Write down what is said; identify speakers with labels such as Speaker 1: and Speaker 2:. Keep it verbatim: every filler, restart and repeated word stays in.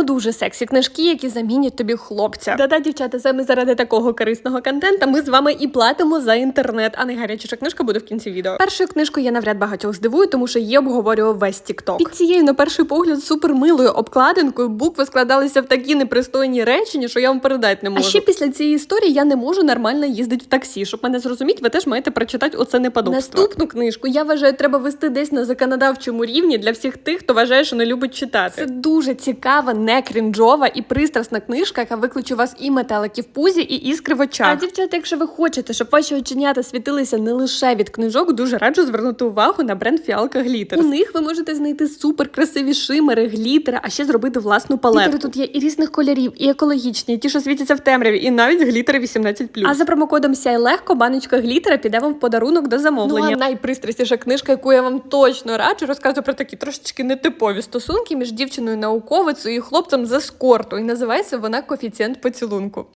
Speaker 1: дуже сексі книжки, які замінять тобі хлопця. Да-да, дівчата, саме заради такого корисного контента ми з вами і платимо за інтернет, а не гаряча книжка буде в кінці відео. Першою книжкою я навряд багатьох здивую, тому що її обговорював весь TikTok. Під цією, на перший погляд, супермилою обкладинкою букви складалися в такі непристойні речення, що я вам передати не можу. А ще після цієї історії я не можу нормально їздити в таксі. Щоб мене зрозуміти, ви теж маєте прочитати оце неподобство. Наступну книжку, я вважаю, треба вести десь на законодавчому рівні для всіх тих, хто вважає, що не любить читати. Це дуже цікава, не крінжова і пристрасна книжка, яка викличе у вас і метелики в пузі, і іскри в очах. А, дівчата, якщо ви хочете, щоб ваші оченята світилися не лише від книжок, дуже раджу звернути увагу на бренд Фіалка Глітерс. У них ви можете знайти супер красиві шимери, глітери, а ще зробити власну палетку. Глітери тут є і різних кольорів, і екологічні, і ті, що світяться в темряві, і навіть глітери вісімнадцять плюс. А за промокодом «Сяй легко» баночка глітера піде вам в подарунок до замовлення. Ну, а найпристрастіша книжка, яку я вам точно раджу, розказую про такі трошечки нетипові стосунки між дівчиною-науковицею і хлопцем з ескорту. І називається вона «Коефіцієнт поцілунку».